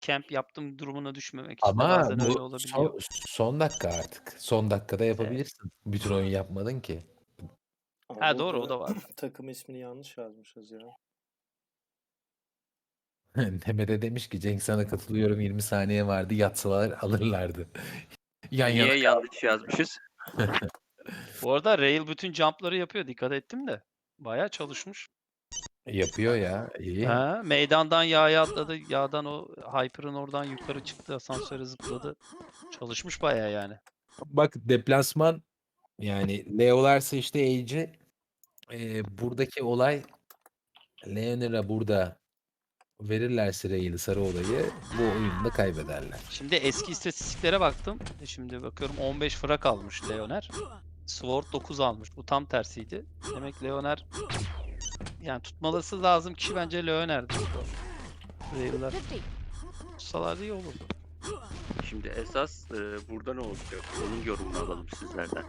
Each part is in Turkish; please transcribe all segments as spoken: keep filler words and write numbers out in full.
camp yaptım durumuna düşmemek için de Ama bazen öyle bu olabiliyor. son son dakika artık. Son dakikada Evet. yapabilirsin. Bütün oyun yapmadın ki. Ama Ha, doğru, o burada da var. takım ismini yanlış yazmışız ya. Nemede demiş ki Cenk sana katılıyorum yirmi saniye vardı yatsalar alırlardı. Yan yana Niye kaldı. yanlış yazmışız? Bu arada Rail bütün jump'ları yapıyor. Dikkat ettim de. Bayağı çalışmış. Yapıyor ya. iyi. Ha, meydandan yağa atladı. Yağdan o Hyper'ın oradan yukarı çıktı. Asansöre zıpladı. Çalışmış bayağı yani. Bak deplasman yani Leo'larsa işte Age'i e, buradaki olay Leonera burada verirlerse Rail'i sarı olayı bu oyunu da kaybederler. Şimdi eski istatistiklere baktım. E, Şimdi bakıyorum on beş frag almış Leoner. Sword dokuz almış. Bu tam tersiydi. Demek Leoner yani tutmalısı lazım kişi bence Leoner'di. Rail'ler tutsalardı iyi olurdu. Şimdi esas e, burada ne olacak? Onun yorumunu alalım sizlerden.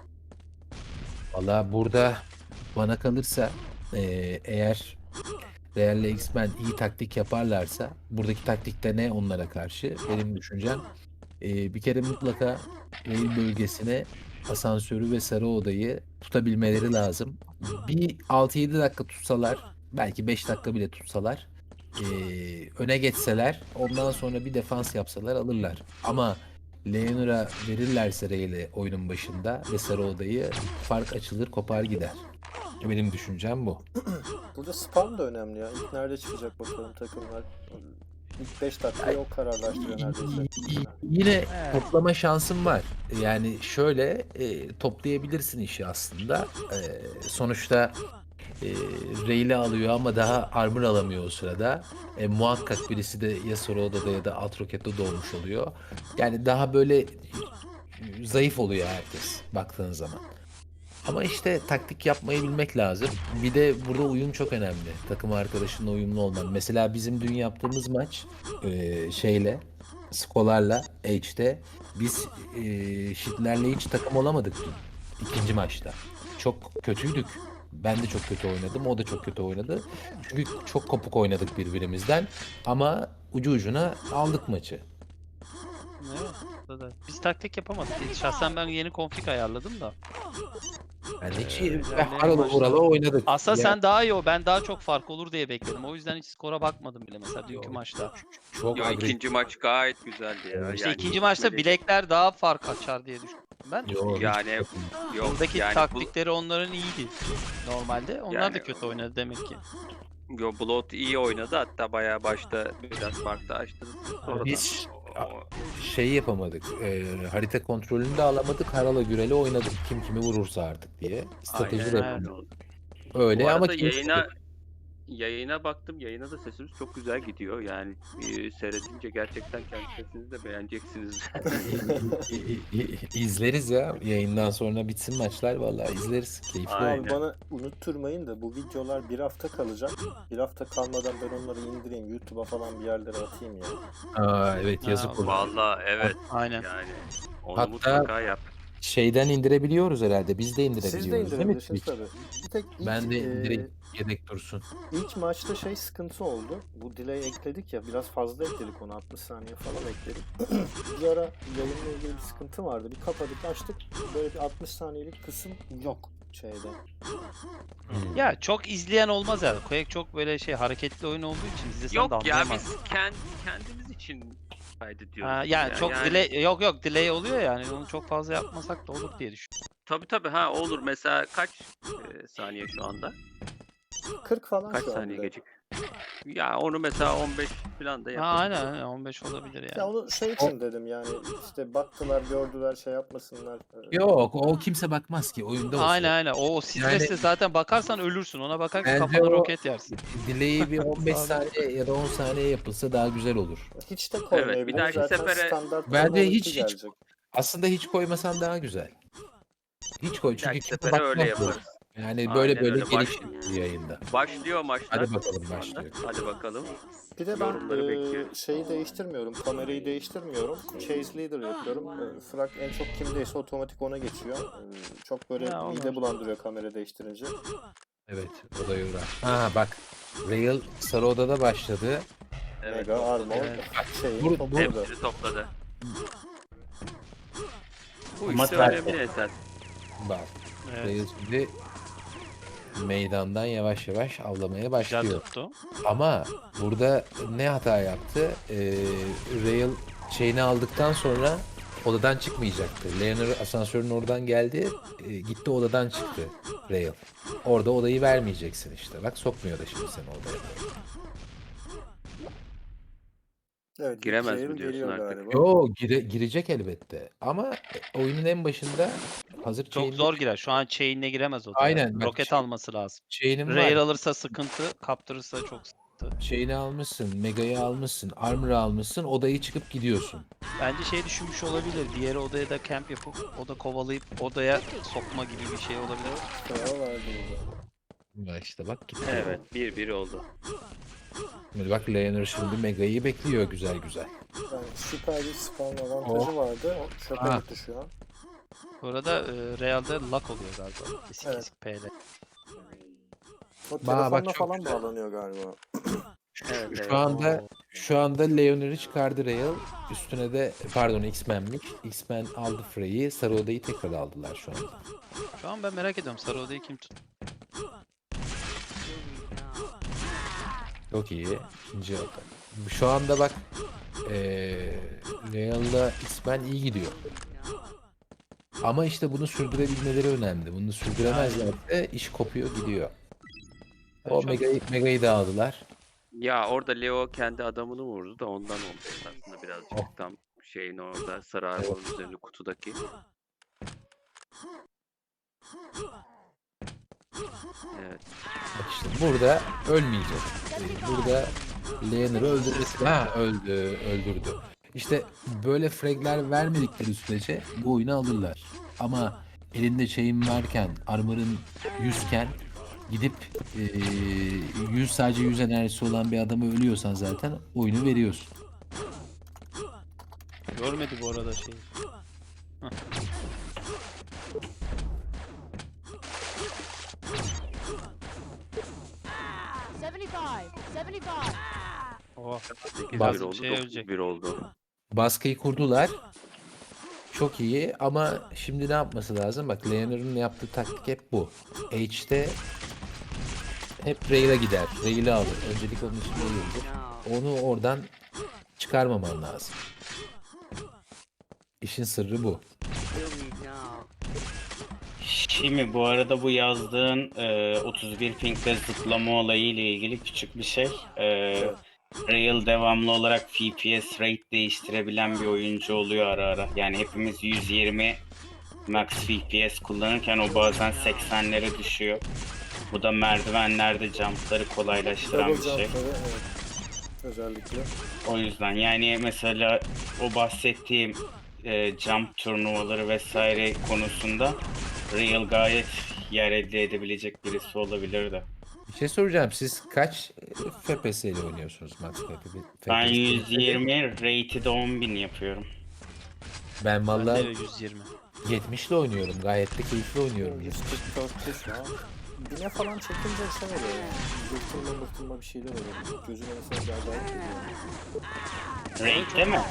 Valla burada bana kalırsa e, eğer Real'le X-Men iyi taktik yaparlarsa buradaki taktikte ne onlara karşı benim düşüncem e, bir kere mutlaka Rail bölgesine asansörü ve sarı odayı tutabilmeleri lazım. Bir altı yedi dakika tutsalar belki beş dakika bile tutsalar e, öne geçseler ondan sonra bir defans yapsalar alırlar. Ama Leonora verirlerse Rail'e oyunun başında ve sarı odayı fark açılır kopar gider. Benim düşüncem bu. Burada spam da önemli ya. İlk nerede çıkacak bakalım takımlar. İlk beş dakikayı o kararlaştırıyor neredeyse. Yine Evet. toplama şansın var. Yani şöyle e, toplayabilirsin işi aslında. E, sonuçta e, Rayleigh alıyor ama daha armor alamıyor o sırada. E, muhakkak birisi de ya Soru Oda'da ya da Alt Rocket'te doğmuş oluyor. Yani daha böyle zayıf oluyor herkes baktığın zaman. Ama işte taktik yapmayı bilmek lazım. Bir de burada uyum çok önemli. Takım arkadaşınla uyumlu olman. Mesela bizim dün yaptığımız maç e, şeyle, Skolar'la H'de biz e, Şitlerle hiç takım olamadık dün. İkinci maçta. Çok kötüydük. Ben de çok kötü oynadım. O da çok kötü oynadı. Çünkü çok kopuk oynadık birbirimizden. Ama ucu ucuna aldık maçı. Evet, burada da. Biz taktik yapamadık. Şahsen ben yeni config ayarladım da. Yani hiç Ee, iyi. ilerleyen Haralı maçta- Ural'a oynadık. Aslında Ya, sen daha iyi o. Ben daha çok fark olur diye bekledim. O yüzden hiç skora bakmadım bile mesela dünkü Yok. maçta. çok Yo, agresif. ikinci maç gayet güzeldi ya. Evet. İşte Yani ikinci maçta gitmedi. bilekler daha fark açar diye düşündüm ben. Yo, hiç Yani yok. yok Buradaki yani bu, taktikleri onların iyiydi normalde. Onlar Yani- da kötü oynadı demek ki. yo, Blood iyi oynadı, hatta bayağı başta biraz farklı açtı. Sonra Biz da o- şeyi yapamadık. e, harita kontrolünü de alamadık. Harala Gürel'e oynadık. Kim kimi vurursa artık diye. Strateji Aynen de öyle yapamadık. oldu. Öyle Bu ama arada kim yayına yayına baktım. Yayına da sesimiz çok güzel gidiyor. Yani e, seyredince gerçekten kendi sesinizi de beğeneceksiniz. izleriz ya. Yayından sonra bitsin maçlar vallahi izleriz. Keyifli Aynen. olur. Abi bana unutturmayın da bu videolar bir hafta kalacak. Bir hafta kalmadan ben onları indireyim. YouTube'a falan bir yerlere atayım ya. Aa, evet Ha, yazık olur. Vallahi evet. Aynen. Yani onu Hatta- mutlaka yap. Şeyden indirebiliyoruz herhalde. Biz de indirebiliyoruz. Siz de değil mi indirebilirsiniz Twitch? tabii. Bir tek ilk, Ben de e, indireyim. Yedek dursun. ilk maçta şey sıkıntı oldu. Bu delay ekledik ya, biraz fazla ekledik onu, altmış saniye falan ekledik. Bir ara yayınla ilgili bir sıkıntı vardı. Bir kapadık açtık, böyle bir altmış saniyelik kısım yok şeyde. Hmm. Ya çok izleyen olmaz yani. Quake çok böyle şey hareketli oyun olduğu için izlesen de Yok ya, anlayamaz. biz kend, kendimiz için kaydediyoruz. Ha, yani ya. çok Yani- delay yok yok delay oluyor yani. Onu çok fazla yapmasak da olur diye düşünüyorum. Tabii tabii, ha olur. Mesela kaç e, saniye şu anda? kırk falan Kaç şu saniye anda. gecik? Ya onu mesela on beş falan da Ha, yapalım. aynen aynen on beş olabilir Ya yani. onu şey için dedim yani, işte baktılar gördüler şey yapmasınlar. Ee, Yok o kimse bakmaz ki oyunda olsun. Aynen aynen. O, o stresle Yani- zaten bakarsan ölürsün. Ona bakarsan Bence kafana o- roket yersin. Delay'i bir on beş Sağ ol. saniye ya da on saniye yapılsa daha güzel olur. Hiç de Evet, bir koymayabiliriz. dahaki Zaten sefere- standart Bence Call of Duty hiç- hiç- gelecek. Aslında hiç koymasan daha güzel. Hiç koy Bir çünkü dahaki kimse sefere öyle bakmaz bu. yaparız. Yani böyle Aynen böyle öyle, baş- gelişir yayında. Başlıyor maçlar. Hadi bakalım, şu anda. başlıyor. Hadi bakalım. Bir de ben Yorumları e, bekliyorum. şeyi değiştirmiyorum, kamerayı değiştirmiyorum. Chase leader yapıyorum. E, Frag en çok kimdeyse otomatik ona geçiyor. E, çok böyle Ya, olur. mide bulandırıyor kamera değiştirince. Evet o da yorar. Ha bak Rail Sarı Oda'da başladı. Evet, Mega topladı. Armor Evet. şeyi Bu- topladı. Hepsini topladı. Bu Ama işte tabii. önemli esas. Bak. Evet. Rail şimdi meydandan yavaş yavaş avlamaya Güzel başlıyor. tuttu. Ama burada ne hata yaptı? Ee, Rail şeyini aldıktan sonra odadan çıkmayacaktı. Leonard asansörün oradan geldi. e, gitti odadan çıktı Rail. Orada odayı vermeyeceksin işte. Bak sokmuyor da şimdi seni odaya. Evet, Giremez Rail mi diyorsun geliyor artık? galiba. Yo gire- girecek elbette. Ama oyunun en başında hazır Çok chain'de- zor girer. Şu an chain'le giremez odaya. Aynen, bak Roket şey- alması lazım. chain'in var. Rare alırsa sıkıntı, kaptırırsa çok sıkıntı. Şeyini almışsın, Mega'yı almışsın, Armor'ı almışsın, odayı çıkıp gidiyorsun. Bence şey düşünmüş olabilir. Diğer odaya da camp yapıp oda kovalayıp odaya sokma gibi bir şey olabilir. Karar verdi burada. Ya işte bak gitti. Evet, bir bir oldu. Şimdi bak Leonard şimdi Mega'yı bekliyor güzel güzel. Yani süper bir spawn avantajı vardı. O çöpe Ah. gitti şu an. Bu arada e, Real'de lock oluyor galiba. Kesik Evet. kesik P'de. O bak telefonla çok falan güzel. bağlanıyor galiba. Evet, Şu evet. anda şu anda Leonard'ı çıkardı Rail. Üstüne de pardon X-Men'miş. X-Men aldı Frey'i. Sarı odayı tekrar aldılar şu an. Şu an ben merak ediyorum. Sarı odayı kim tut? Çok iyi. İkinci oda. Şu anda bak eee Real'la X-Men iyi gidiyor. Ama işte bunu sürdürebilmeleri önemli. Bunu sürdüremezlerse iş kopuyor gidiyor. O Çok- Mega'yı, Mega'yı da aldılar. Ya orada Leo kendi adamını vurdu da ondan olmuş aslında birazcık Oh. tam şeyin orada sarı arabanın üzerinde kutudaki. Evet. Bak işte burada ölmeyecek. Ee, Burada Leonard'ı öldürmesi. Ha öldü, öldürdü. İşte böyle fragler vermedikleri sürece bu oyunu alırlar. Ama elinde şeyin varken, armor'ın yüzken gidip eee yüz sadece yüz enerjisi olan bir adamı ölüyorsan zaten oyunu veriyorsun. Görmedi bu arada şeyi. seventy-five, seventy-five. Oh. sekiz Bazı bir oldu, şey dokuz ölecek. bir oldu. Baskıyı kurdular. Çok iyi ama şimdi ne yapması lazım? Bak Leonard'ın yaptığı taktik hep bu. H'te hep Rail'a gider. Rail'i alır. Öncelik onun için Rail'dir. Onu oradan çıkarmaman lazım. İşin sırrı bu. Şimdi bu arada bu yazdığın e, otuz bir pinkte zıplama olayı ile ilgili küçük bir şey. E, Rail devamlı olarak F P S rate değiştirebilen bir oyuncu oluyor ara ara. Yani hepimiz yüz yirmi max F P S kullanırken o bazen seksenlere düşüyor. Bu da merdivenlerde jumpları kolaylaştıran Double bir şey. jump'ları evet. Özellikle. O yüzden yani mesela o bahsettiğim e, jump turnuvaları vesaire konusunda Real gayet yer elde edebilecek birisi olabilir de. Bir şey soracağım. Siz kaç F P S ile oynuyorsunuz Max F P S? Ben yüz yirmi, rated on bin yapıyorum. Ben Ben de vallahi yüz yirmi. yetmiş ile oynuyorum. Gayet de keyifli oynuyorum. yüz kırk dörtte şu an. Bine falan çekince şey oluyor yani. Yırtılma mırtılma bir şeyler oluyor. Gözüme mesela bir acayip geliyor. Rate değil mi?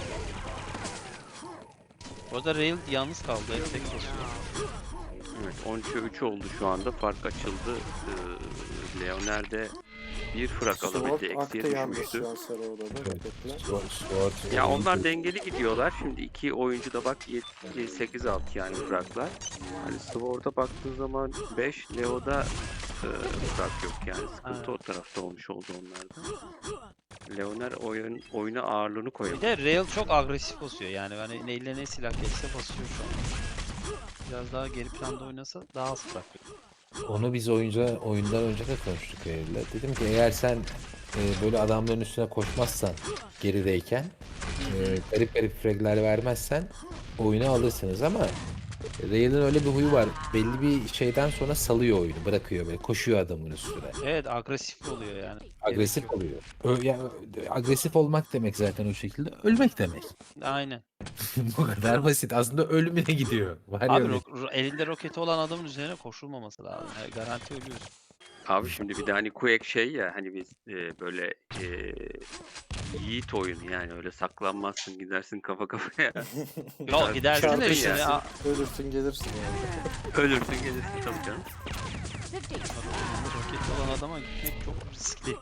Bu arada Rail yalnız kaldı. Hep tek basıyor. Evet, on üçe üç oldu şu anda. Fark açıldı. Ee, Leonard'e bir frak alabildi. Sword aktı Eksiye yalnız düşmüştü. şu an sarı odada. roketle. Sword, Sword, Ya oyuncu- onlar dengeli gidiyorlar. Şimdi iki oyuncu da bak sekiz altı yani fraklar. Hani Sword'a baktığın zaman beş, Leo'da e, frak yok yani. Sıkıntı Evet. o tarafta olmuş oldu onlarda. Leoner oyun, oyuna ağırlığını Bir koyamadı. de Rail çok agresif basıyor yani. Hani neyle ne silah geçse basıyor şu an. Biraz daha geri planda oynasa daha az bırakıyor. Onu biz oyunca oyundan önce de konuştuk Eylül'le. Dedim ki eğer sen e, böyle adamların üstüne koşmazsan gerideyken e, garip garip fragler vermezsen oyunu alırsınız ama Rail'in öyle bir huyu var. Belli bir şeyden sonra salıyor oyunu. Bırakıyor böyle. Koşuyor adamın üstüne. Evet agresif oluyor yani. Agresif Gerek yok. oluyor. Ö- ya, agresif olmak demek zaten o şekilde. Ölmek demek. Aynen. Bu kadar basit. Aslında ölümüne gidiyor. Var ya Abi öyle- ro- ro- elinde roketi olan adamın üzerine koşulmaması lazım. Yani garanti ölüyorsun. Abi şimdi bir de hani Quake şey ya hani biz e, böyle e, yiğit oyun yani öyle saklanmazsın gidersin kafa kafaya. Yok gidersin de Çarpışırsın, şimdi a- ölürsün gelirsin yani. Ölürsün gelirsin tabii canım. fifty. roket olan adama gitmek çok riskli.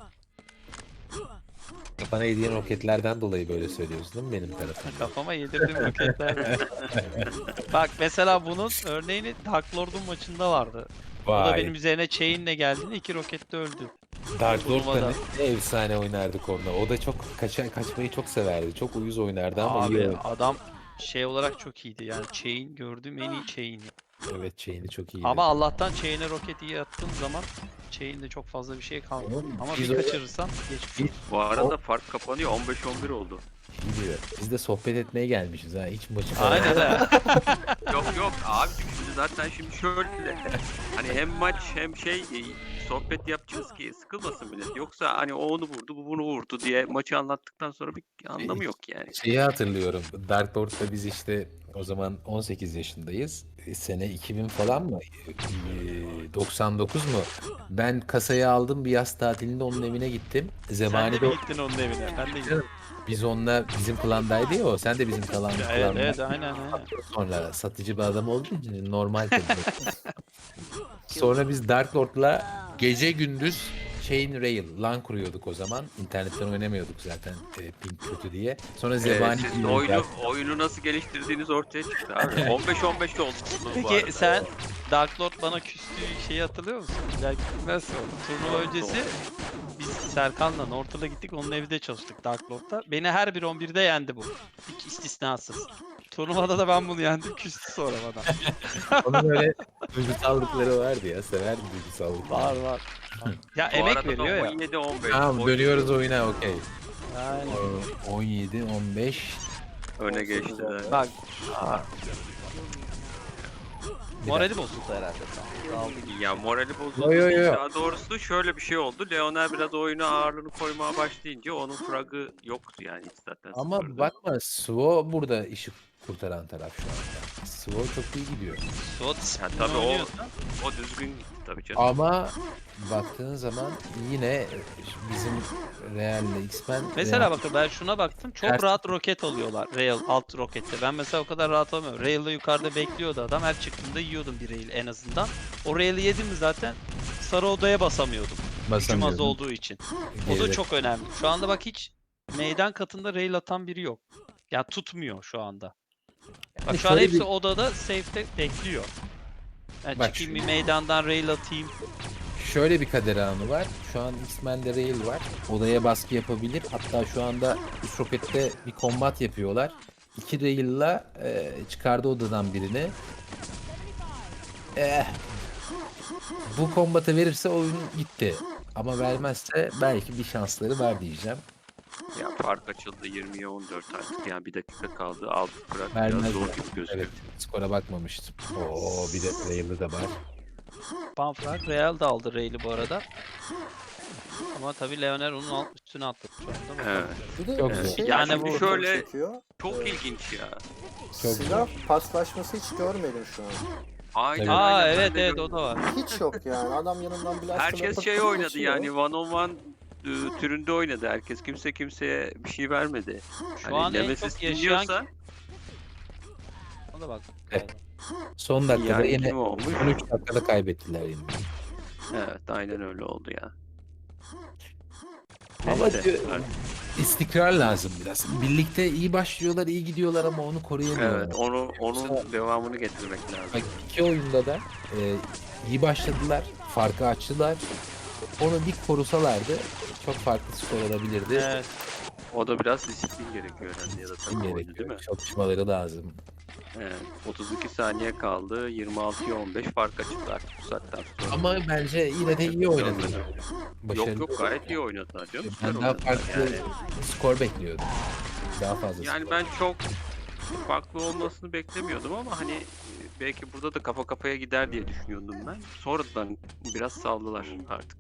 Kafana yediğin roketlerden dolayı böyle söylüyorsun değil mi benim tarafımda? Kafama yedirdim roketler. Bak mesela bunun örneğini Dark Lord'un maçında vardı. O da Vay. benim üzerine chain'le geldiğinde iki rokette öldü. Dark Lord'da Turnuvada. ne, ne efsane oynardık onunla. O da çok kaça, kaçmayı çok severdi. Çok uyuz oynardı ama iyi Abi oynadı. adam şey olarak çok iyiydi yani chain gördüğüm en iyi chain'i. Evet, chain'i çok iyiydi. Ama Allah'tan chain'e roket iyi attığım zaman chain'de çok fazla bir şey kalmıyor. Oğlum, Ama biz bir o- kaçırırsam geçmiş olur. Bu arada fark kapanıyor on beş on bir oldu. İyi diyor. Biz de sohbet etmeye gelmişiz ha. Hiç maçı falan. Aynen ha. Yok yok abi şimdi zaten şimdi şöyle hani hem maç hem şey e, sohbet yapacağız ki sıkılmasın millet. Yoksa hani o onu vurdu bu bunu vurdu diye maçı anlattıktan sonra bir anlamı yok yani. Şeyi hatırlıyorum. Dark Lord'da biz işte o zaman on sekiz yaşındayız. E, Sene iki bin falan mı? E, doksan dokuz mu? Ben kasayı aldım, bir yaz tatilinde onun evine gittim. Sen de Zebani mi de gittin onun evine? Ben de gittim. biz onunla bizim klandaydı ya o. Sen de bizim klan, Evet klandan. evet aynen aynen. Sonra satıcı bir adam olduğu için normal tabii. Sonra biz Dark Lord'la gece gündüz Chain Rail, LAN kuruyorduk o zaman. İnternetten oynamıyorduk zaten e, ping kötü diye. Sonra Ee, Zebani siz geliyor. oyunu, oyunu nasıl geliştirdiğiniz ortaya çıktı abi. on beş on beş oldu. bu arada. Peki sen Dark Lord bana küstüğü şeyi hatırlıyor musun? Belki bilmezsin onu. Turnuva öncesi biz Serkan'la Nortal'a gittik. Onun evinde çalıştık Dark Lord'da. Beni her bir on birde yendi bu. Hiç istisnasız. Turnuvada da ben bunu yendim. Küstü sonra bana. Onun öyle duygusallıkları vardı ya. Severdi duygusallıkları. Var var. Ya Bu emek arada da veriyor ya. on yedi on beş. Tamam, dönüyoruz oyuna, okey. Aynen. on yedi on beş. Öne geçtiler. Bak Bir morali bozuldu herhalde. Sen. Daldı gibi. Ya morali bozuldu. Yo, yo, değil. yo. Daha doğrusu şöyle bir şey oldu. Leoner biraz oyuna ağırlığını koymaya başlayınca onun fragı yoktu yani hiç zaten. Ama sıfırdı. bakma, Svo burada işi kurtaran taraf şu anda. Svo çok iyi gidiyor. Suat Ya disiplini tabii o, oynuyorsa o düzgün gitti tabii canım. Ama baktığın zaman yine bizim Real'le X-Men... mesela Real- bakın ben şuna baktım. Çok Ters- rahat roket alıyorlar. Rail alt rokette. Ben mesela o kadar rahat alamıyorum. Rail'de yukarıda bekliyordu adam. Her çıktığımda yiyordum bir rail en azından. O rail'i yedim mi zaten sarı odaya basamıyordum. Gücüm az basamıyordum. olduğu için. O da Geride- çok önemli. Şu anda bak hiç meydan katında rail atan biri yok. Ya tutmuyor şu anda. Bak Yani şu an şöyle hepsi bir- odada safe'te bekliyor. Yani Bak çıkayım şu- bir meydandan rail atayım. Şöyle bir kader anı var. Şu an X-Men'de Rail var. Odaya baskı yapabilir. Hatta şu anda üç rokette bir kombat yapıyorlar. İki Rail'la e, çıkardı odadan birini. Eh, bu kombatı verirse oyun gitti. Ama vermezse belki bir şansları var diyeceğim. Ya fark açıldı yirmiye on dört artık. Yani bir dakika kaldı. Altı bırak biraz Vermez zor mi? gibi gözüküyor. Evet, skora bakmamıştım. Oo, bir de Rail'ı da var. Panfrak Real da aldı rail'i bu arada. Ama tabii Leoner onun alt üstüne attı şu anda. Evet. Bir de Çok bir güzel. şey Yani çok bu- dikkatimi şöyle- çekiyor. Çok Ee, ilginç ya. Çok Silah paslaşması hiç görmedim şu an. Aynen Evet. Aa aynen. Ben evet de evet gördüm. o da var. Hiç yok yani. Adam yanından blast Herkes şey oynadı yani one on one e, türünde oynadı herkes. Kimse kimseye bir şey vermedi. Şu Hani an en Nemesis çok yaşayan dinliyorsa Ona da bak. Evet. Son dakikada yani yine kim olmuş? on üç dakikada kaybettiler yine. Evet aynen öyle oldu ya. Ama Neyse, diyor- artık- İstikrar lazım biraz. Birlikte iyi başlıyorlar, iyi gidiyorlar ama onu koruyamıyorlar. evet onu onun devamını getirmek lazım. Bak, iki oyunda da e, iyi başladılar, farkı açtılar. Onu bir korusalardı çok farklı skor olabilirdi. Evet. O da biraz disiplin gerekiyor herhalde ya da takım oyunu değil mi? Gerekiyor. Çalışmaları lazım. Evet. otuz iki saniye kaldı. yirmi altıya on beş fark açıldı artık bu saatten sonra. Ama bence yine de iyi oynadılar. Başarılı. Yok yok gayet iyi oynadılar canım. Ben Süper daha oynadılar farklı yani. skor bekliyordum. Daha fazla Yani skor. ben çok farklı olmasını beklemiyordum ama hani e, belki burada da kafa kafaya gider diye düşünüyordum ben. Sonradan biraz saldılar artık.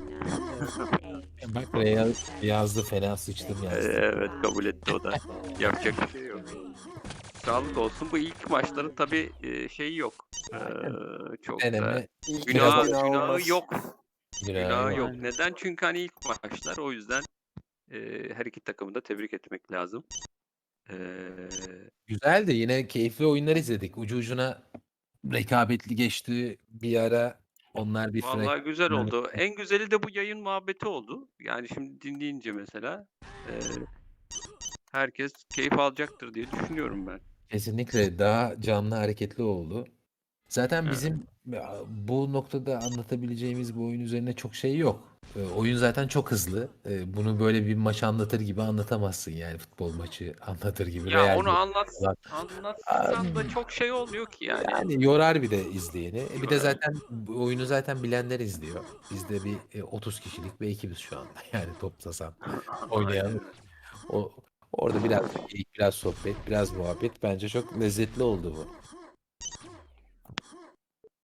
Bak, Real yazdı, fena sıçtım Ee, yazdı. Evet kabul etti o da. Yapacak bir şey yok. Sağlık olsun. Bu ilk maçların tabii e, şeyi yok. Ee, çok da Deneme İlk günah, günah günahı olmaz. yok. günahı Günahı yok. yok. Neden? Çünkü hani ilk maçlar o yüzden Eee, her iki takımı da tebrik etmek lazım. Eee Güzel de yine keyifli oyunlar izledik. Ucu ucuna rekabetli geçti bir ara. Onlar bir frek. Vallahi güzel oldu. En güzeli de bu yayın muhabbeti oldu. Yani şimdi dinleyince mesela eee, herkes keyif alacaktır diye düşünüyorum ben. Kesinlikle daha canlı hareketli oldu. Zaten Evet. bizim ya, bu noktada anlatabileceğimiz bu oyun üzerine çok şey yok. E, oyun zaten çok hızlı. E, bunu böyle bir maç anlatır gibi anlatamazsın yani futbol maçı anlatır gibi. Ya Real onu bir anlat falan. anlatsan da çok şey olmuyor ki yani. Yani yorar bir de izleyeni. E, Bir de Yorar. zaten bu oyunu zaten bilenler izliyor. Biz de bir e, otuz kişilik bir ekibiz şu anda. Yani toplasan oynayan. Aynen öyle. O, orada biraz geyik, biraz sohbet, biraz muhabbet. Bence çok lezzetli oldu bu.